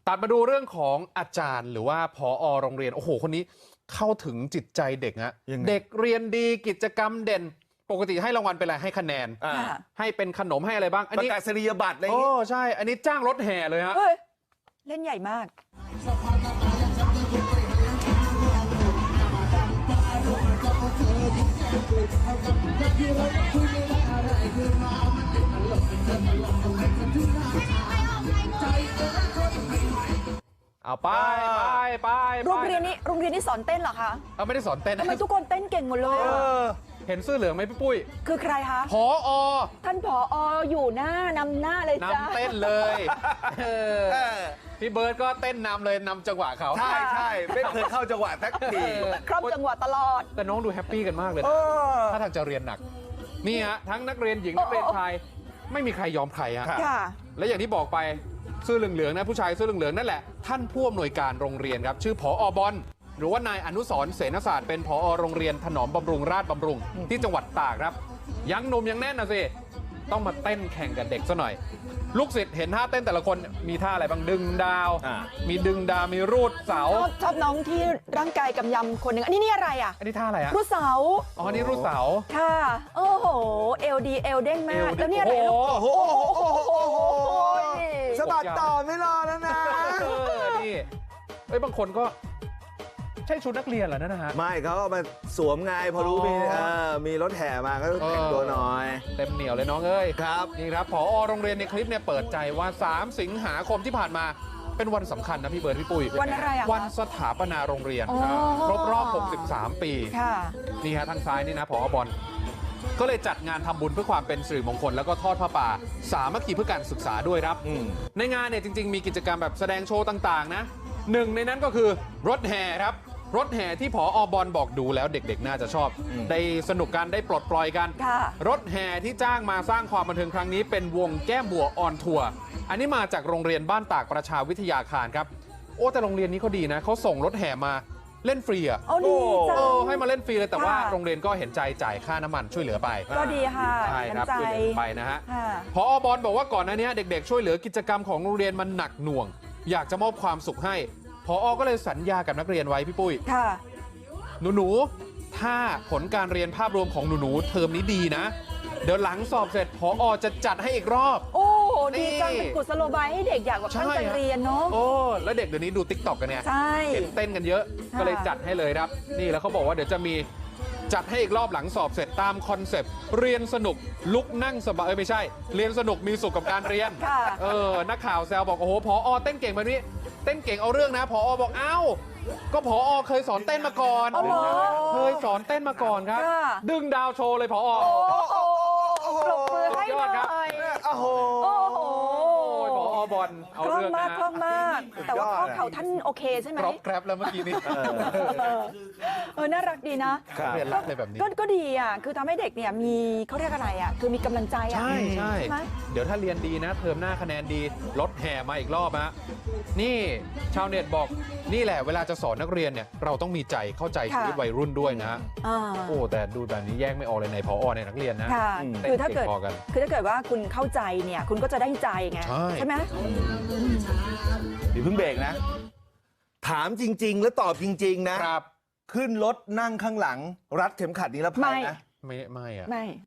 ตัดมาดูเรื่องของอาจารย์หรือว่าผอโรงเรียนโอ้โหคนนี้เข้าถึงจิตใจเด็กฮะเด็กเรียนดีกิจกรรมเด่นปกติให้รางวัลเป็นอะไรให้คะแนนให้เป็นขนมให้อะไรบ้างอันนี้ประกาศนียบัตรอะไรอย่างโอ้งี้ใช่อันนี้จ้างรถแห่เลยฮะเล่นใหญ่มากเอาไปโรงเรียนนี้สอนเต้นเหรอคะเอาไม่ได้สอนเต้นทำไมทุกคนเต้นเก่งหมดเลยเห็นเสื้อเหลืองไหมพี่ปุ้ยคือใครคะผอท่านผออยู่นำหน้าเลยจ้านำเต้นเลยพี่เบิร์ดก็เต้นนำเลยนำจังหวะเขาใช่ไม่เคยเข้าจังหวะสักทีครบจังหวะตลอดแต่น้องดูแฮปปี้กันมากเลยถ้าทางจะเรียนหนักนี่ฮะทั้งนักเรียนหญิงนักเรียนชายไม่มีใครยอมใครฮะและอย่างที่บอกไปเสื้อเหลืองๆนะผู้ชายเสื้อเหลืองๆนั่นแหละท่านผู้อำนวยการโรงเรียนครับชื่อผอ.บอลหรือว่านายอนุสรณ์เสนศาสตร์เป็นผอ.โรงเรียนถนอมบำรุงราชบำรุงที่จังหวัดตากครับยังหนุ่มยังแน่นนะสิต้องมาเต้นแข่งกับเด็กซะหน่อยลูกศิษย์เห็นท่าเต้นแต่ละคนมีท่าอะไรบ้างดึงดาวมีดึงดาวมีรูดเสาชอบน้องที่ร่างกายกำยำคนหนึ่งอันนี้อะไรอ่ะอันนี้ท่าอะไรอะรูดเสาอ๋อนี่รูดเสาค่ะโอ้โหเอลดีเอลเด้งมากแล้วนี่อะไรลูกโอ้โหสะบัดต่อไม่รอแล้วนะนี่บางคนก็ใช่ชุดนักเรียนเหรอนะฮะไม่เขามาสวมไงพอรู้มีรถแห่มาก็แต่งตัวหน่อยเต็มเหนียวเลยน้องเอ้ยครับนี่ครับผอ.โรงเรียนในคลิปเนี่ยเปิดใจว่า3สิงหาคมที่ผ่านมาเป็นวันสำคัญนะพี่เบิร์ดพี่ปุ้ยวันอะไรอ่ะวันสถาปนาโรงเรียนครบรอบ63ปีนี่ฮะทางซ้ายนี่นะผอ.บอลก็เลยจัดงานทำบุญเพื่อความเป็นสิริมงคลแล้วก็ทอดผ้าป่าสามัคคีเพื่อการศึกษาด้วยครับในงานเนี่ยจริงๆมีกิจกรรมแบบแสดงโชว์ต่างๆนะหนึ่งในนั้นก็คือรถแห่ครับรถแห่ที่ผอ.บอลบอกดูแล้วเด็กๆน่าจะชอบได้สนุกกันได้ปลดปล่อยกันรถแห่ที่จ้างมาสร้างความบันเทิงครั้งนี้เป็นวงแก้มบัวออนทัวร์อันนี้มาจากโรงเรียนบ้านตากประชาวิทยาคารครับโอ้แต่โรงเรียนนี้เขาดีนะเขาส่งรถแห่มาเล่นฟรีอ่ะให้มาเล่นฟรีเลยแต่ว่าโรงเรียนก็เห็นใจจ่ายค่าน้ำมันช่วยเหลือไปก็ดีค่ะใช่ครับช่วยเหลือไปนะฮะผอ.บอลบอกว่าก่อนหน้านี้เด็กๆช่วยเหลือกิจกรรมของโรงเรียนมันหนักหน่วงอยากจะมอบความสุขให้ผอ.ก็เลยสัญญากับนักเรียนไว้พี่ปุ้ยหนูถ้าผลการเรียนภาพรวมของหนูเทอมนี้ดีนะเดี๋ยวหลังสอบเสร็จผอ.จะจัดให้อีกรอบโอ้ดีจังเป็นกุศโลบายให้เด็กอยากแบบตั้งใจเรียนเนาะโอ้แล้วเด็กเดี๋ยวนี้ดูติ๊กต็อกกันเนี่ยเห็นเต้นกันเยอะก็เลยจัดให้เลยครับนี่แล้วเขาบอกว่าเดี๋ยวจะมีจัดให้อีกรอบหลังสอบเสร็จตามคอนเซปต์เรียนสนุกลุกนั่งสบายไม่ใช่เรียนสนุกมีสุขกับการเรียนนักข่าวแซวบอกโอ้โหผอ.เต้นเก่งแบบนี้เต้นเก่งเอาเรื่องนะผอ.บอกเอ้าก็ผอ.เคยสอนเต้นมาก่อนเคยสอนเต้นมาก่อนครับดึงดาวโชว์เลยผอ. ปรบมือให้หน่อยโอ้โหผอ.บอลเอาเรื่องนะคล่องมากแต่ว่าข้อเข่าท่านโอเคใช่ไหมแกรบแล้วเมื่อกี้นี้น่ารักดีนะเรียนรักเลยแบบนี้ก็ดีอ่ะคือทำให้เด็กเนี่ยมีเขาเรียกอะไรอ่ะคือมีกำลังใจอ่ะใช่เดี๋ยวถ้าเรียนดีนะเทอมหน้าคะแนนดีรถแห่มาอีกรอบฮะนี่ชาวเน็ตบอกนี่แหละเวลาจะสอนนักเรียนเนี่ยเราต้องมีใจเข้าใจชีวิตวัยรุ่นด้วยนะโอ้แต่ดูแบบนี้แยกไม่ออกเลยในผอ.ในนักเรียนนะคือถ้าเกิดว่าคุณเข้าใจเนี่ยคุณก็จะได้ใจไงใช่ไหมเดี๋ยวเพิ่งเบรกนะถามจริงๆแล้วตอบจริงๆนะครับขึ้นรถนั่งข้างหลังรัดเข็มขัดนิรภัยนะไม่อะไม่